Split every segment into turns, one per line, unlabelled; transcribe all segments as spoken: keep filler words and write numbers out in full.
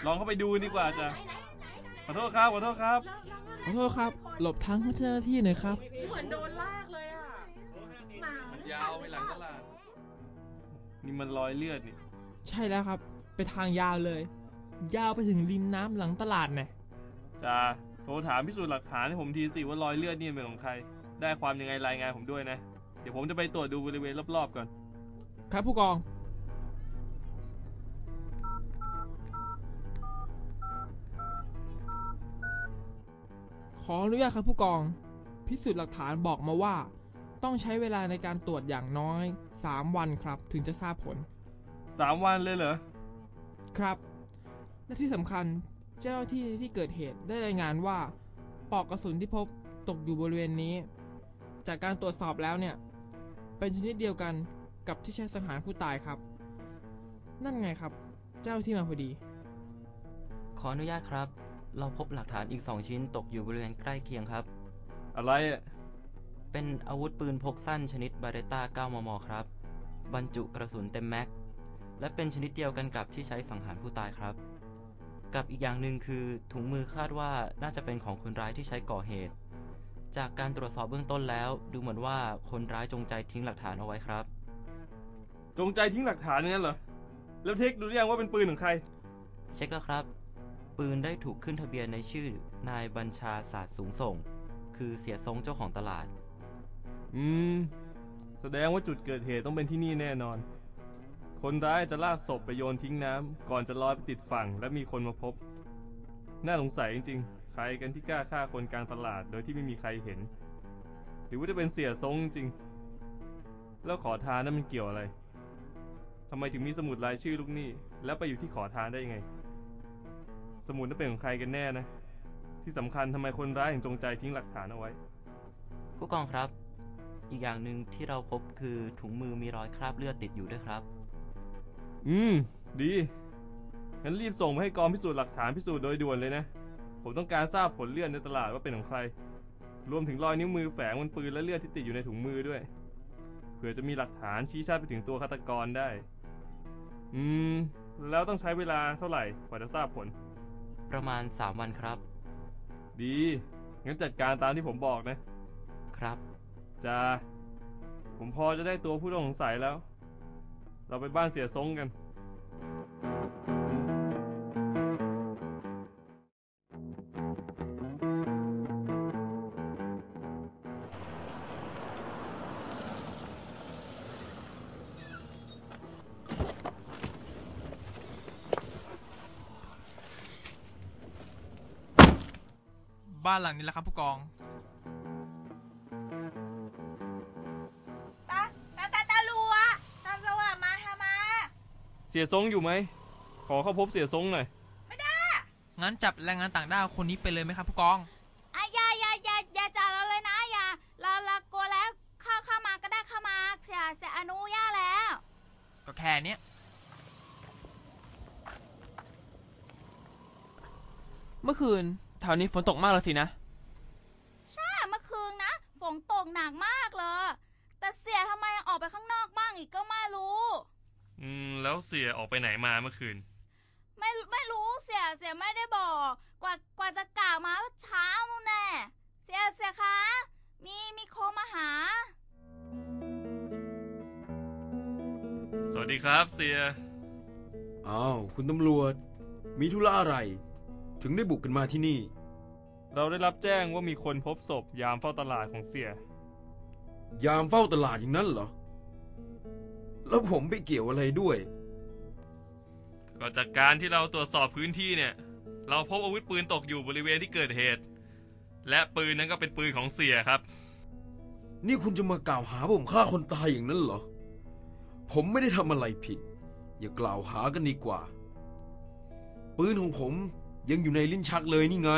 ลองเข้าไปดูดีกว่าจ้ะขอโทษครับขอโทษครับ
ขอโทษครับหลบทางเจ้าหน้าที่หน่อยครับ
เหมือนโดนลากเลยอ่ะ
มันยาวไปหลังตลาดนี่มันรอยเลือดนี่
ใช่แล้วครับไปทางยาวเลยยาวไปถึงริมน้ำหลังตลาดเนี่ย
จ้าโทรถามพิสูจน์หลักฐานให้ผมทีสิว่ารอยเลือดนี่เป็นของใครได้ความยังไงรายงานผมด้วยนะเดี๋ยวผมจะไปตรวจดูบริเวณรอบๆก่อน
ครับผู้กองขออนุญาตครับผู้กองพิสูจน์หลักฐานบอกมาว่าต้องใช้เวลาในการตรวจอย่างน้อยสามวันครับถึงจะทราบผล
สามวันเลยเหรอ
ครับและที่สำคัญเจ้าหน้าที่ที่เกิดเหตุได้รายงานว่าปลอกกระสุนที่พบตกอยู่บริเวณนี้จากการตรวจสอบแล้วเนี่ยเป็นชนิดเดียวกันกับที่ใช้สังหารผู้ตายครับนั่นไงครับเจ้าที่มาพอดี
ขออนุญาตครับเราพบหลักฐานอีกสองชิ้นตกอยู่บริเวณใกล้เคียงครับ
อะไรอ่ะ
เป็นอาวุธปืนพกสั้นชนิดบาเรต้า เก้ามม ครับบรรจุกระสุนเต็มแม็กและเป็นชนิดเดียวกันกับที่ใช้สังหารผู้ตายครับกับอีกอย่างหนึ่งคือถุงมือคาดว่าน่าจะเป็นของคนร้ายที่ใช้ก่อเหตุจากการตรวจสอบเบื้องต้นแล้วดูเหมือนว่าคนร้ายจงใจทิ้งหลักฐานเอาไว้ครับ
จงใจทิ้งหลักฐานงั้นเหรอแล้วเทคดูหรือยังว่าเป็นปืนของใคร
เช็คแล้วครับปืนได้ถูกขึ้นทะเบียนในชื่อนายบัญชาศาสตร์สูงส่งคือเสียทรงเจ้าของตลาด
อืมแสดงว่าจุดเกิดเหตุต้องเป็นที่นี่แน่นอนคนร้ายจะลากศพไปโยนทิ้งน้ำก่อนจะลอยไปติดฝั่งและมีคนมาพบน่าสงสัยจริงๆใครกันที่กล้าฆ่าคนกลางตลาดโดยที่ไม่มีใครเห็นหรือว่าจะเป็นเสียทรงจริงแล้วขอทานนั้นมันเกี่ยวอะไรทำไมถึงมีสมุดรายชื่อลูกหนี้แล้วไปอยู่ที่ขอทานได้ยังไงสมุดนั้นเป็นของใครกันแน่นะที่สำคัญทำไมคนร้ายถึงจงใจทิ้งหลักฐานเอาไว้
ผู้กองครับอีกอย่างหนึ่งที่เราพบคือถุงมือมีรอยคราบเลือดติดอยู่ด้วยครับ
อืมดีงั้นรีบส่งไปให้กองพิสูจน์หลักฐานพิสูจน์โดยด่วนเลยนะผมต้องการทราบผลเลือดในตลาดว่าเป็นของใครรวมถึงรอยนิ้วมือแฝงบนปืนและเลือดที่ติดอยู่ในถุงมือด้วยเผื่อจะมีหลักฐานชี้ชัดไปถึงตัวฆาตกรได้อืมแล้วต้องใช้เวลาเท่าไหร่กว่าจะทราบผล
ประมาณสามวันครับ
ดีงั้นจัดการตามที่ผมบอกนะครับจ้าผมพอจะได้ตัวผู้ต้องสงสัยแล้วเราไปบ้านเสียทรงกัน
บ้านหลังนี้แหละครับผู้กอง
ตาตาตาตาลัวตาลัวมาทำไม
เสียทรงอยู่ไหมขอเข้าพบเสียทรงหน่อย
ไม่ได้
งั้นจับแรงงานต่างด้าวคนนี้ไปเลยไหมครับผู้กอง
อ่ะอย่าอย่าอย่าอย่าจับเราเลยนะอย่าเราเรากลัวแล้วเข้าเข้ามาก็ได้เข้ามาเสียเสียอนุญาตแล้ว
ก็แค่นี้เมื่อคืนแถวนี้ฝนตกมากเลยสินะ
ใช่เมื่อคืนนะฝนตกหนักมากเลยแต่เสียทำไมออกไปข้างนอกบ้างอีกก็ไม่รู้
อืมแล้วเสียออกไปไหนมาเมื่อคืน
ไม่ไม่รู้เสียเสียไม่ได้บอกกว่ากว่าจะกล่าวมาเช้านู่นแน่เสียเสียคะมีมีโคมาหา
สวัสดีครับเสีย
อ้าวคุณตำรวจมีธุระอะไรถึงได้บุกกันมาที่นี่
เราได้รับแจ้งว่ามีคนพบศพยามเฝ้าตลาดของเสีย
ยามเฝ้าตลาดอย่างนั้นเหรอแล้วผมไปเกี่ยวอะไรด้วย
ก็จากการที่เราตรวจสอบพื้นที่เนี่ยเราพบอาวุธปืนตกอยู่บริเวณที่เกิดเหตุและปืนนั้นก็เป็นปืนของเสียครับ
นี่คุณจะมากล่าวหาผมฆ่าคนตายอย่างนั้นเหรอผมไม่ได้ทำอะไรผิดอย่ากล่าวหากันดีกว่าปืนของผมยังอยู่ในลิ้นชักเลยนี่ไง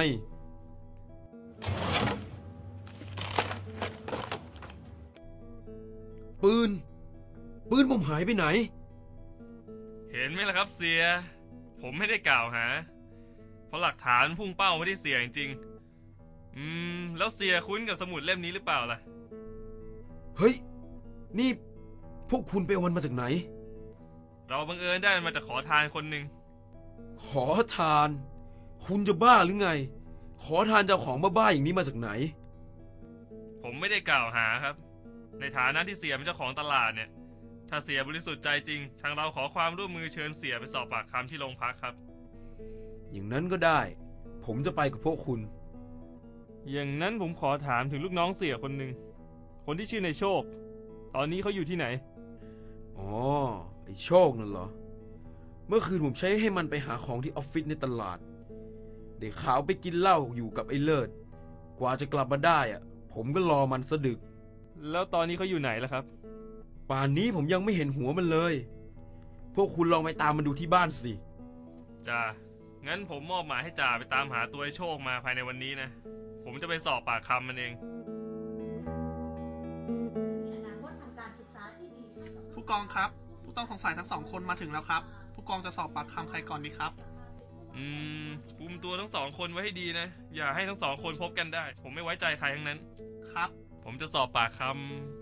ปืนปืนผมหายไปไหน
เห็นไหมล่ะครับเสียผมไม่ได้กล่าวหาเพราะหลักฐานพุ่งเป้าไม่ได้เสียจริงๆอืมแล้วเสียคุ้นกับสมุดเล่มนี้หรือเปล่าล่ะ
เฮ้ยนี่พวกคุณไปเอามันมาจากไหน
เราบังเอิญได้มันมาจากขอทานคนหนึ่ง
ขอทาน คุณจะบ้าหรือไง ขอทานเจ้าของบ้าๆอย่างนี้มาจากไหน
ผมไม่ได้กล่าวหาครับ ในฐานะที่เสียเป็นเจ้าของตลาดเนี่ย ถ้าเสียบริสุทธิ์ใจจริง ทางเราขอความร่วมมือเชิญเสียไปสอบปากคำที่โรงพักครับ
อย่างนั้นก็ได้ ผมจะไปกับพวกคุณ
อย่างนั้นผมขอถามถึงลูกน้องเสียคนหนึ่ง คนที่ชื่อในโชค ตอนนี้เขาอยู่ที่ไหน
อ๋อ ไอ้โชคนั่นเหรอ เมื่อคืนผมใช้ให้มันไปหาของที่ออฟฟิศในตลาด เด็กขาวไปกินเหล้าอยู่กับไอ้เลิศ กว่าจะกลับมาได้อะผมก็รอมันสะดึก
แล้วตอนนี้เขาอยู่ไหนล่ะครับ
ป่านนี้ผมยังไม่เห็นหัวมันเลย พวกคุณลองไปตามมันดูที่บ้านสิ
จ่า งั้นผมมอบหมายให้จ่าไปตามหาตัวไอ้โชคมาภายในวันนี้นะ ผมจะไปสอบปากคำมันเอง
ผู้กองครับ ผู้ต้องสงสัยทั้งสองคนมาถึงแล้วครับ ผู้กองจะสอบปากคำใครก่อนดีครับ
อืม คุมตัวทั้งสองคนไว้ให้ดีนะ อย่าให้ทั้งสองคนพบกันได้ ผมไม่ไว้ใจใครทั้งนั้น
ครับ
ผมจะสอบปากค